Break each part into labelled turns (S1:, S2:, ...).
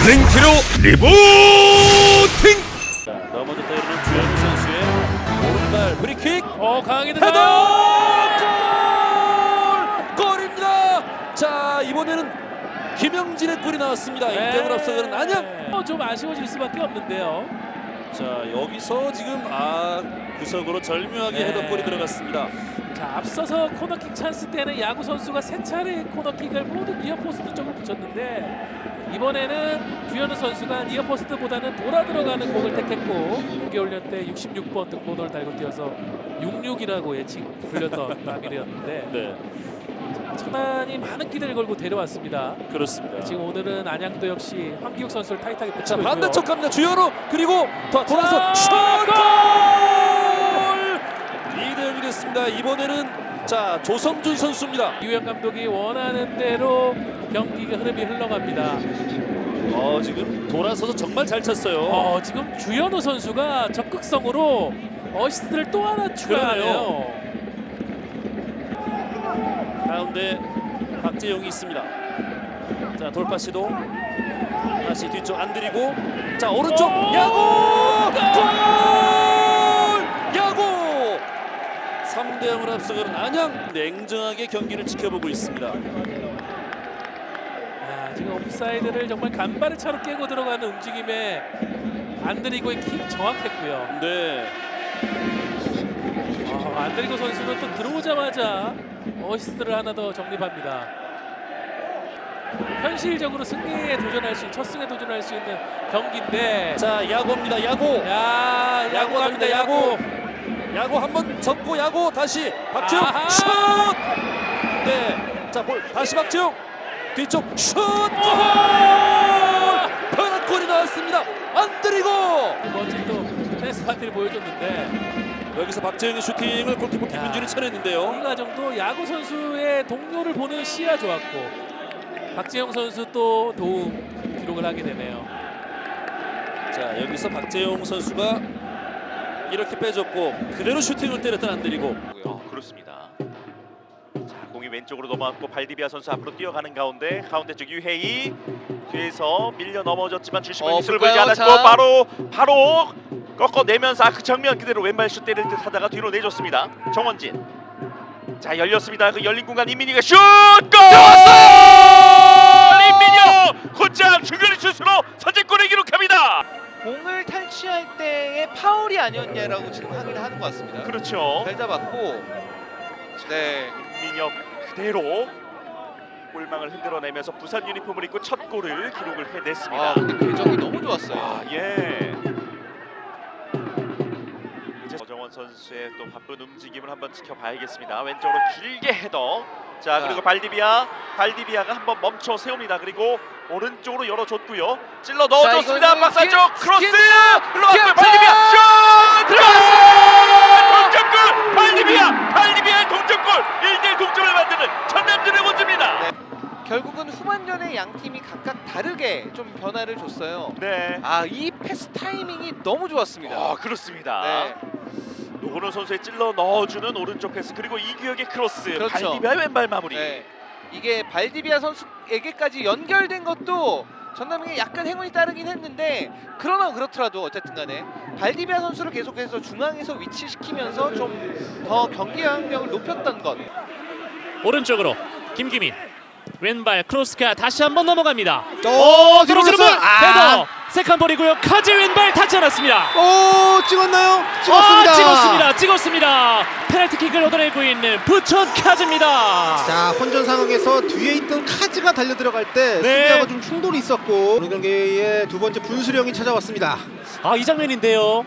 S1: 블링키로 리부팅.
S2: 자, 넘어졌다 이러는 주현우 선수의 오른발 프리킥. 강하게
S3: 헤더!
S2: 들어가 골입니다. 자, 이번에는 김영진의 골이 나왔습니다. 1대0 앞서가는 안양.
S3: 좀 아쉬워질 수밖에 없는데요.
S2: 자, 여기서 지금 구석으로 절묘하게
S3: 네.
S2: 헤더골이 들어갔습니다.
S3: 자, 앞서서 코너킥 찬스 때는 야구 선수가 세 차례 코너킥을 모두 니어포스트 쪽으로 붙였는데 이번에는 주현우 선수가 니어포스트보다는 돌아 들어가는 공을 택했고 6개월 때 66번 등번호를 달고 뛰어서 66이라고 예칭 불렸던 남일이었는데
S2: 네,
S3: 천안이 많은 기대를 걸고 데려왔습니다.
S2: 그렇습니다.
S3: 지금 오늘은 안양도 역시 황기욱 선수를 타이트하게
S2: 자,
S3: 붙이고 있고요.
S2: 반대쪽 갑니다. 주현우 그리고 돌아서 슛! 골! 2대0이 됐습니다. 이번에는 자, 조성준 선수입니다.
S3: 이우영 감독이 원하는 대로 경기가 흐름이 흘러갑니다.
S2: 지금 돌아서서 정말 잘 찼어요.
S3: 지금 주현우 선수가 적극성으로 어시스트를 또 하나 추가하네요.
S2: 가운데 박재용이 있습니다. 자, 돌파 시도. 다시 뒤쪽 안 들이고. 자, 오른쪽 야구! 골! 야구! 3대0으로 앞서가는 안양. 냉정하게 경기를 지켜보고 있습니다.
S3: 지금 옵사이드를 정말 간발의 차로 깨고 들어가는 움직임에 안드리고의 킥 정확했고요.
S2: 네.
S3: 안드리고 선수는 또 들어오자마자 어시스트를 하나 더 정립합니다. 현실적으로 승리에 도전할 수 있는 첫 승에 도전할 수 있는 경기인데
S2: 자, 야구입니다. 야구.
S3: 야구
S2: 갑니다. 야구. 야구 한번 접고 야구 다시 박지웅
S3: 아하!
S2: 슛! 네. 자, 볼 다시 박지웅 뒤쪽 슛! 골! 편한 골이 나왔습니다. 안 들이고
S3: 멋진 또 댄스 파티를 보여줬는데
S2: 여기서 박재영의 슈팅을 골키퍼 김민준이 쳐냈는데요.
S3: 이 과정도 야구 선수의 동료를 보는 시야 좋았고 박재영 선수 또 도움 기록을 하게 되네요.
S2: 자, 여기서 박재영 선수가 이렇게 빼줬고 그대로 슈팅을 때렸던 안 들이고.
S4: 그렇습니다. 자, 공이 왼쪽으로 넘어왔고 발디비아 선수 앞으로 뛰어가는 가운데 쪽 유해이 뒤에서 밀려 넘어졌지만 주심은 기술을 보이지
S5: 볼까요?
S4: 않았고 바로 꺾어내면서 그 정면 그대로 왼발 슛 때릴 듯 하다가 뒤로 내줬습니다. 정원진. 자, 열렸습니다. 그 열린 공간 임민희가 슛! 골! 임민희 곧장 중거리 슛으로 선제골을 기록합니다.
S5: 공을 탈취할 때의 파울이 아니었냐라고 지금 확인을 하는 것 같습니다.
S4: 그렇죠.
S5: 잘 잡았고, 네,
S4: 민혁 그대로 골망을 흔들어내면서 부산 유니폼을 입고 첫 골을 기록을 해냈습니다.
S5: 근데 궤적이 너무 좋았어요.
S4: 예. 이제 어정원 선수의 또 바쁜 움직임을 한번 지켜봐야겠습니다. 왼쪽으로 길게 헤더. 자, 그리고 발디비아가 한번 멈춰 세웁니다. 그리고 오른쪽으로 열어줬고요. 찔러 넣어줬습니다.
S5: 이거는
S4: 박사쪽 크로스 흘러갔고요.
S5: 기아!
S4: 발디비아 슛 들어갔어요. 동점골 발디비아의 동점골 1대1 동점을 만드는 전남 드래곤즈입니다.
S5: 네. 결국은 후반전에 양 팀이 각각 다르게 좀 변화를 줬어요.
S4: 네.
S5: 이 패스 타이밍이 너무 좋았습니다.
S4: 그렇습니다.
S5: 네.
S4: 노건호 선수의 찔러 넣어주는 오른쪽 패스 그리고 이규혁의 크로스
S5: 그렇죠.
S4: 발디비아의 왼발 마무리.
S5: 네. 이게 발디비아 선수에게까지 연결된 것도 전남에게 약간 행운이 따르긴 했는데 그러나 그렇더라도 어쨌든 간에 발디비아 선수를 계속해서 중앙에서 위치시키면서 좀 더 경기 영향력을 높였던 것.
S6: 오른쪽으로 김기민 왼발 크로스가 다시 한번 넘어갑니다.
S1: 들어오는 볼.
S6: 헤더 세컨볼이고요. 카즈 왼발 닿지 않았습니다.
S1: 찍었나요?
S6: 찍었습니다. 페널티킥을 얻어내고 있는 부천 카즈입니다.
S7: 자, 혼전 상황에서 뒤에 있던 카즈가 달려 들어갈 때
S6: 네.
S7: 수비하고 좀 충돌이 있었고 오늘 경기의 두 번째 분수령이 찾아왔습니다.
S6: 이 장면인데요.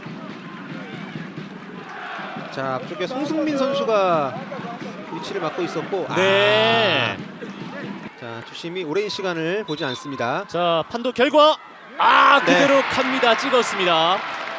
S7: 자, 앞쪽에 송승민 선수가 위치를 맡고 있었고
S6: 네.
S7: 자, 주심이 오랜 시간을 보지 않습니다.
S6: 자, 판독 결과 그대로 갑니다. 찍었습니다.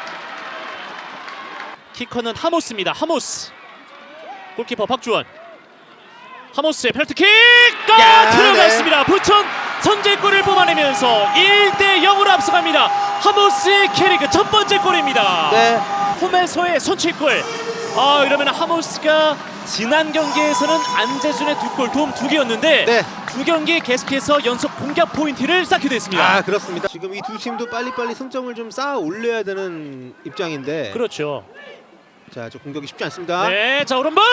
S6: 키커는 하모스입니다. 하모스. 골키퍼 박주원. 하모스의 페널티킥 들어갔습니다. 부천 선제골을 뽑아내면서 1대0으로 앞서갑니다. 하모스의 캐리그 첫 번째 골입니다.
S7: 네.
S6: 홈에서의 선취골. 이러면 하모스가 지난 경기에서는 안재준의 2골 도움 2개였는데
S7: 네.
S6: 2경기 계속해서 연속 공격 포인트를 쌓게 됐습니다.
S7: 아 그렇습니다. 지금 이 두 팀도 빨리빨리 승점을 좀 쌓아 올려야 되는 입장인데
S6: 그렇죠.
S7: 자, 저 공격이 쉽지 않습니다.
S6: 네, 자 오른발.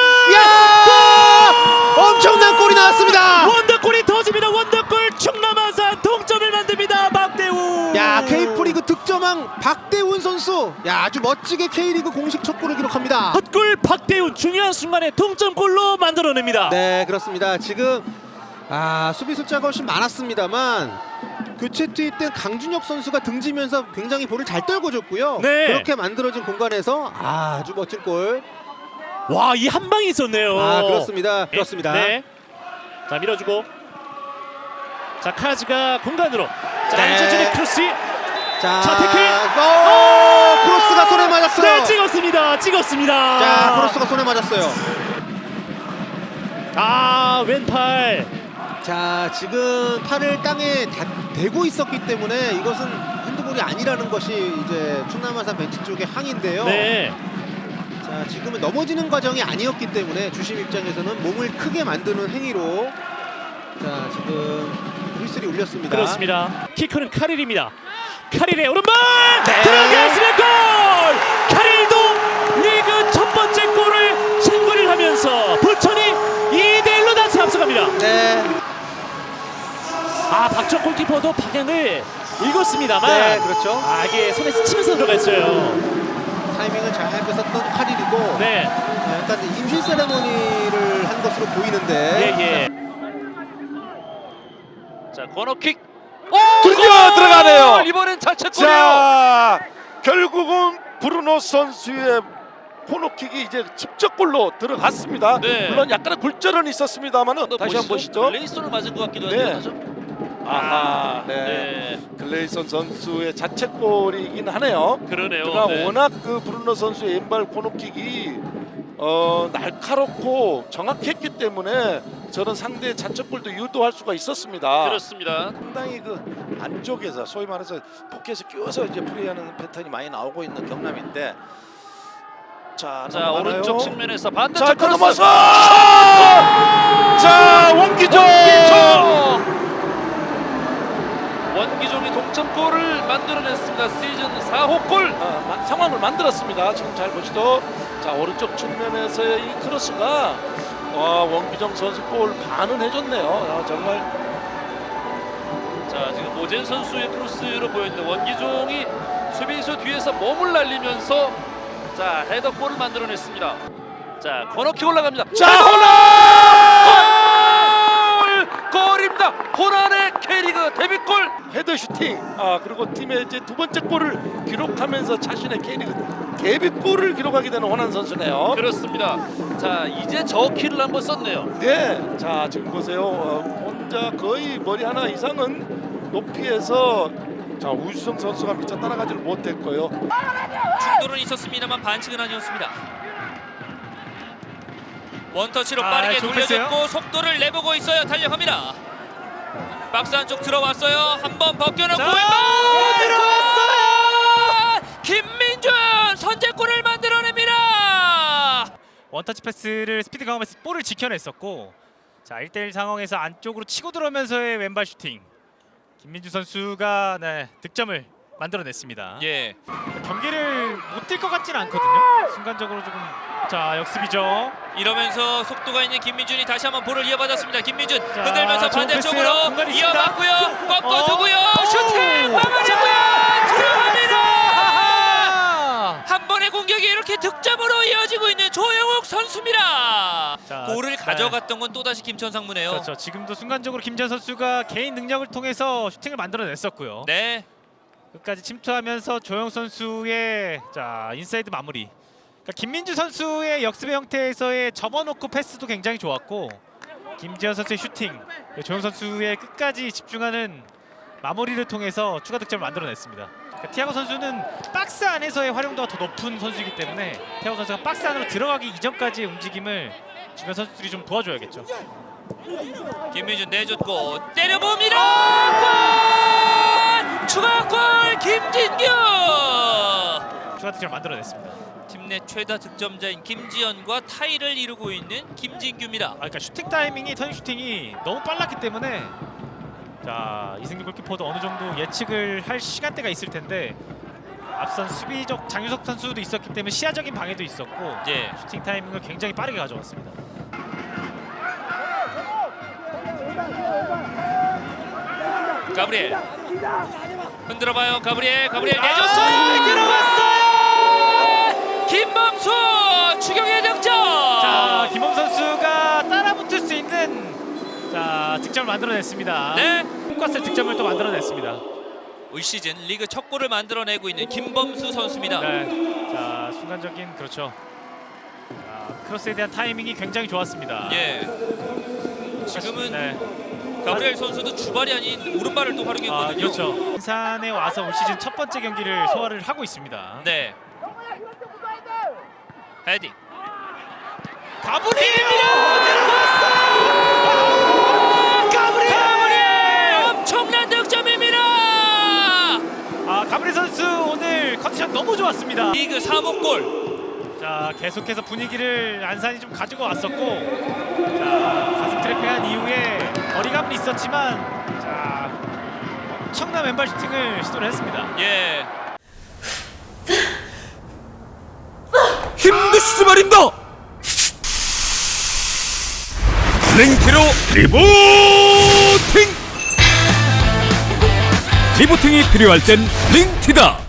S7: 야! 엄청난 골이 나왔습니다.
S6: 원더골이 터집니다. 원더골 충남 아산 동점을 만듭니다. 박대훈.
S7: 야, K프리그 득점왕 박대훈 선수. 야, 아주 멋지게 K리그 공식 첫 골을 기록합니다.
S6: 헛골 박대훈 중요한 순간에 동점골로 만들어냅니다.
S7: 네, 그렇습니다. 지금 수비 숫자가 훨씬 많았습니다만 교체 투입된 강준혁 선수가 등지면서 굉장히 볼을 잘 떨궈줬고요.
S6: 네.
S7: 그렇게 만들어진 공간에서 아주 멋진 골.
S6: 와, 이 한 방이 있었네요.
S7: 그렇습니다. 그렇습니다.
S6: 네. 자, 밀어주고. 자, 카즈가 공간으로. 자,
S7: 네.
S6: 안재준의 크로스.
S7: 자,
S6: 태클.
S7: 크로스가 손에 맞았어요.
S6: 네, 찍었습니다.
S7: 자, 크로스가 손에 맞았어요.
S6: 아, 왼팔.
S7: 자, 지금 팔을 땅에 대고 있었기 때문에 이것은 핸드볼이 아니라는 것이 이제 충남 아산 벤치 쪽의 항의인데요.
S6: 네.
S7: 자, 지금은 넘어지는 과정이 아니었기 때문에 주심 입장에서는 몸을 크게 만드는 행위로 자, 지금 휘슬이 울렸습니다.
S6: 그렇습니다. 키커는 카릴입니다. 카릴의 오른발
S7: 네.
S6: 들어갔으면 골! 카릴도 리그 첫 번째 골을 신고를 하면서 부천이 2대1로 다시 앞서갑니다.
S7: 네.
S6: 박정 골키퍼도 방향을 읽었습니다만
S7: 네, 그렇죠.
S6: 이게 손에 스치면서 들어갔어요.
S7: 타이밍을 잘 뺏었던 카릴이고
S6: 네.
S7: 약간 임신 세레모니를 한 것으로 보이는데
S6: 예.
S2: 자, 코너킥.
S1: 드디어 들어가네요.
S2: 이번엔 자책골이에요.
S1: 자, 결국은 브루노 선수의 코너킥이 이제 직접골로 들어갔습니다.
S2: 네.
S1: 물론 약간의 굴절은 있었습니다만은 다시 한번 보시죠.
S2: 레이스를 맞은 것 같기도
S1: 네.
S2: 하죠.
S1: 아하, 네.
S2: 네.
S1: 글레이son 선수의 자책골이긴 하네요.
S2: 그러네요.
S1: 그러나
S2: 네.
S1: 워낙 그 브루노 선수의 왼발 코너킥이 날카롭고 정확했기 때문에 저는 상대의 자책골도 유도할 수가 있었습니다.
S2: 그렇습니다.
S8: 상당히 그 안쪽에서 소위 말해서 포켓에 끼워서 이제 플레이하는 패턴이 많이 나오고 있는 경남인데 자,
S2: 자,
S8: 넘어가나요?
S2: 오른쪽 측면에서
S1: 자,
S2: 반대쪽 크로스.
S1: 넘어서 자, 원기종.
S2: 원기종이 동점골을 만들어냈습니다. 시즌 4호 골.
S1: 상황을 만들었습니다. 지금 잘 보시죠. 자, 오른쪽 측면에서의 이 크로스가 원기정 선수 골 반은 해줬네요. 정말.
S2: 자, 지금 오젠 선수의 크로스로 보였는데 원기종이 수비수 뒤에서 몸을 날리면서 자, 헤더골을 만들어냈습니다. 자, 코너킥 올라갑니다.
S1: 자,
S2: 골입니다. 호난의 K리그 데뷔골.
S1: 헤더 슈팅. 그리고 팀의 이제 두 번째 골을 기록하면서 자신의 K리그 데뷔골을 기록하게 되는 호난 선수네요.
S2: 그렇습니다. 자, 이제 저 키를 한번 썼네요.
S1: 네. 자, 지금 보세요. 혼자 거의 머리 하나 이상은 높이에서 자, 우주성 선수가 미처 따라가지를 못했고요.
S9: 충돌은 있었습니다만 반칙은 아니었습니다. 원터치로 빠르게 돌려줬고 속도를 내보고 있어요. 달려갑니다. 박스 안쪽 들어왔어요. 한번 벗겨놓고 왼발 들어왔어요. 김민준 선제골을 만들어냅니다.
S10: 원터치 패스를 스피드 강화해서 볼을 지켜냈었고, 자 1대1 상황에서 안쪽으로 치고 들어오면서의 왼발 슈팅. 김민주 선수가 득점을 만들어냈습니다.
S9: 예.
S10: 경기를 못 뛸 것 같지는 않거든요. 순간적으로 조금 역습이죠.
S9: 이러면서 속도가 있는 김민준이 다시 한번 볼을 이어받았습니다. 김민준
S10: 자,
S9: 흔들면서
S10: 좋은
S9: 반대쪽으로
S10: 패스예요. 공간이 있습니다.
S9: 이어받고요. 꺾어주고요. 슈팅 막아주고요. 들어갑니다. 한 번의 공격이 이렇게 득점으로 이어지고 있는 조영욱 선수입니다.
S10: 자,
S9: 골을 가져갔던 건 또다시 김천상무네요.
S10: 그렇죠. 지금도 순간적으로 김지현 선수가 개인 능력을 통해서 슈팅을 만들어냈었고요.
S9: 네.
S10: 끝까지 침투하면서 조영 선수의 인사이드 마무리. 그러니까 김민주 선수의 역습의 형태에서의 접어놓고 패스도 굉장히 좋았고, 김지현 선수의 슈팅, 조영 선수의 끝까지 집중하는 마무리를 통해서 추가 득점을 만들어냈습니다. 그러니까 티아고 선수는 박스 안에서의 활용도가 더 높은 선수이기 때문에 티아고 선수가 박스 안으로 들어가기 이전까지의 움직임을 주변 선수들이 좀 도와줘야겠죠.
S9: 김민준 내줬고 때려봅니다. 골! 추가골 김진규.
S10: 추가 득점을 만들어냈습니다.
S9: 팀 내 최다 득점자인 김지현과 타이를 이루고 있는 김진규입니다.
S10: 그러니까 슈팅 타이밍이 터닝 슈팅이 너무 빨랐기 때문에 자 이승규 골키퍼도 어느 정도 예측을 할 시간대가 있을 텐데 앞선 수비적 장유석 선수도 있었기 때문에 시야적인 방해도 있었고
S9: 예.
S10: 슈팅 타이밍을 굉장히 빠르게 가져왔습니다.
S9: 가브리엘 흔들어봐요. 가브리엘 내줬어요.
S10: 들어갔어요.
S9: 김범수 추격의 득점.
S10: 자 김범 선수가 따라붙을 수 있는 자 득점을 만들어냈습니다.
S9: 네.
S10: 홈과스 득점을 또 만들어냈습니다.
S9: 올 시즌 리그 첫 골을 만들어내고 있는 김범수 선수입니다.
S10: 네. 자 순간적인 그렇죠. 자, 크로스에 대한 타이밍이 굉장히 좋았습니다.
S9: 예. 지금은
S10: 네.
S9: 가브리엘 선수도 주발이 아닌 오른발을 또 활용했거든요.
S10: 그렇죠. 인산에 와서 올 시즌 첫 번째 경기를 소화를 하고 있습니다.
S9: 네. 헤딩.
S10: 가브리엘입니다.
S9: 가브리엘 엄청난 득점입니다.
S10: 가브리엘 선수 오늘 컨디션 너무 좋았습니다.
S9: 리그 3호 골.
S10: 자 계속해서 분위기를 안산이 좀 가지고 왔었고 자 가슴 트래핑한 이후에 거리감은 있었지만 자 엄청난 왼발 슈팅을 시도를 했습니다.
S9: 예.
S6: 힘드시지 말입니다. 링티로 리부팅. 리부팅이 필요할 땐 링티다.